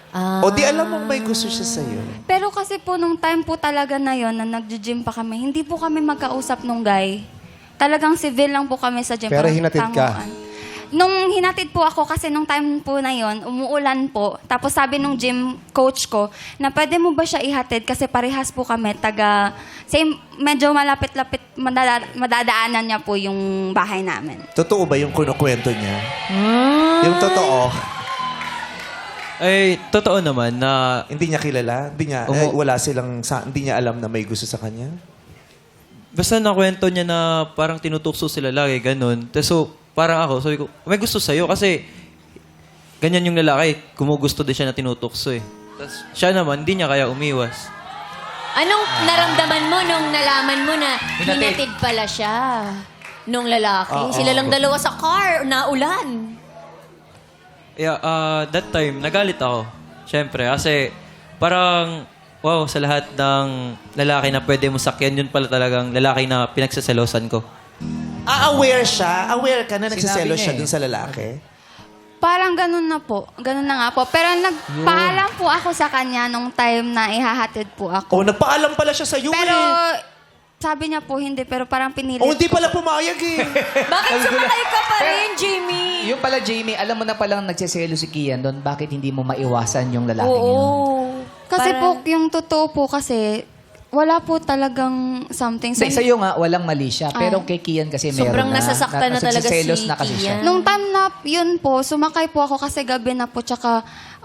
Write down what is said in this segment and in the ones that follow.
O di alam mong may gusto siya sa'yo. Pero kasi po nung time po talaga na yon na nag-gym pa kami, hindi po kami magkausap nung guy. Talagang civil lang po kami sa gym. Pero parang hinatid ka? tanguan. Nung hinatid po ako kasi nung time po na yon, umuulan po. Tapos sabi nung gym coach ko na pwede mo ba siya ihatid kasi parehas po kami same, medyo malapit-lapit madadaanan niya po yung bahay namin. Totoo ba yung kunukwento niya? Yung totoo? Ay, totoo naman na Hindi niya kilala? Hindi niya, hindi niya alam na may gusto sa kanya? basta nakwento niya na parang tinutukso sila lagi, ganun. So, parang ako, sabi ko, may gusto sa'yo kasi ganyan yung lalaki. Kumugusto din siya na tinutukso eh. Tapos siya naman, hindi niya kaya umiwas. Anong naramdaman mo nung nalaman mo na hinatid pala siya nung lalaki? Sila lang dalawa sa car, naulan. Yeah, that time, nagalit ako. Siyempre, kasi parang, wow, sa lahat ng lalaki na pwede mo sakyan, yun pala talagang lalaki na pinagsaselosan ko. Aware siya? Aware ka na nagsiselo Sinabi niya siya eh. dun sa lalaki? Parang ganun na po. Ganun na nga po. Pero nagpaalam po ako sa kanya nung time na ihahatid po ako. O, nagpaalam pala siya sa'yo Pero eh. sabi niya po hindi, pero parang pinilit O, hindi ko. pala pumayag eh. Bakit sumakay ka pa rin, Jimmy? Yung pala, Jamie, alam mo na palang nagsiselo si Kian doon, bakit hindi mo maiwasan yung lalaki yun? Oo. Kasi Parang- po, yung totoo po kasi, wala po talagang something. Sa'yo nga, walang mali siya. Pero kay Kian kasi meron Sobrang na. nasasaktan na talaga nagsiselos si na kasi siya. Kian. Nung time na yun po, sumakay po ako kasi gabi na po, tsaka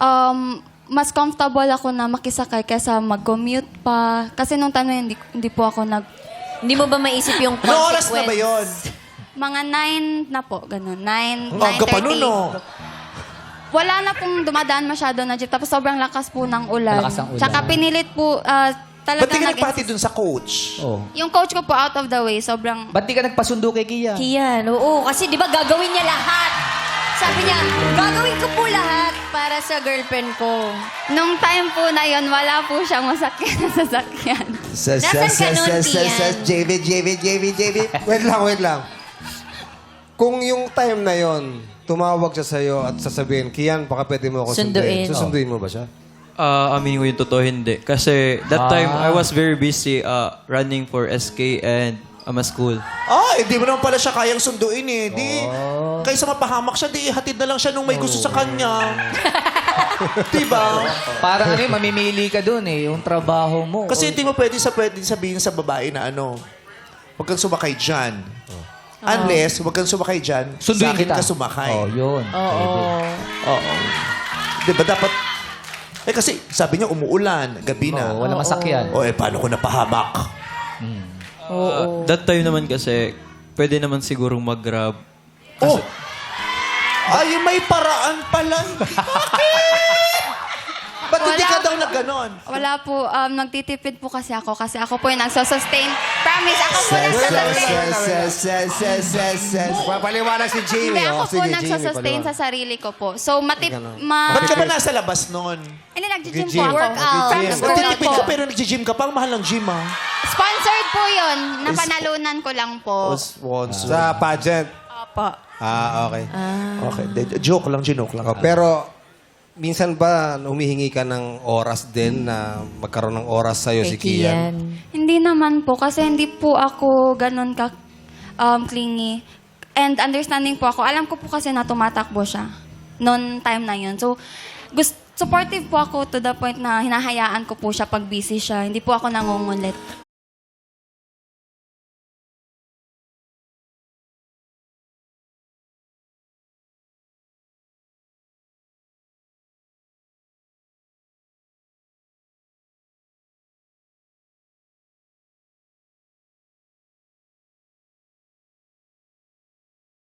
mas comfortable ako na makisakay kaysa mag-commute pa. Kasi nung time na yun, hindi po ako Hindi mo ba maisip yung Ano oras na ba yun? Mga 9 na po, ganun. 9, Ang aga pa nun, 9:30. no? Wala na pong dumadaan masyado na jeep. Tapos sobrang lakas po ng ulan. Malakas ang ulan. Tsaka pinilit po, Ba't talagang di ka nagpati dun sa coach? Oh. Yung coach ko po out of the way, sobrang... Ba't di ka nagpasundo kay Kian? Kian, oo. Kasi di ba gagawin niya lahat? Sabi niya, gagawin ko po lahat para sa girlfriend ko. Nung time po na yon, wala po siyang masakyan na sasakyan. Nasaan ka nun, Kian? JV. Wait lang. Kung yung time na yon, tumawag siya sa'yo at sasabihin, Kian, baka pwede mo ako Sunduin. sunduin. Susunduin mo ba siya? Aminin ko yung totoo, hindi. Kasi that time, I was very busy running for SK and school. Hindi mo naman pala siya kayang sunduin eh. Kaysa mapahamak siya, di hatid na lang siya nung may gusto sa kanya. Diba? Parang mamimili ka doon eh, yung trabaho mo. Kasi hindi mo pwede sabihin sa babae na huwag kang sumakay dyan. Unless, huwag kang sumakay dyan, Sunduin sa akin kita. ka sumakay. Oh, yun. Oo. Diba dapat... kasi sabi niya umuulan, gabi na. Wala masakyan. Paano ko napahamak? That time naman kasi, pwede naman sigurong mag-grab. May paraan pala. Ba't hindi ka daw nagganon? Wala po, nagtitipid po kasi ako po yung nagsosustain. Promise, ako po nagsosustain. Papaliwanag si Jamie. Hindi, ako oh. po Sige, nagsosustain Jamie, sa sarili ko po. So, Ba't ka ba nasa labas nun? Hindi, nag-gym po Nag-gym. ako. Workout. From school Nagtitipid po. ka pero nag-gym ka pa. Ang mahal ng gym, ah. Sponsored po yun. Napanalunan ko lang po. Sa pageant. Opo. Okay. Okay. Joke lang. Pero, minsan ba humihingi ka ng oras din na magkaroon ng oras sa'yo si Kian? Hindi naman po. Kasi hindi po ako ganun ka clingy. And understanding po ako. Alam ko po kasi na tumatakbo siya. Noon time na yun. So, supportive po ako to the point na hinahayaan ko po siya pag busy siya. Hindi po ako nangungulit.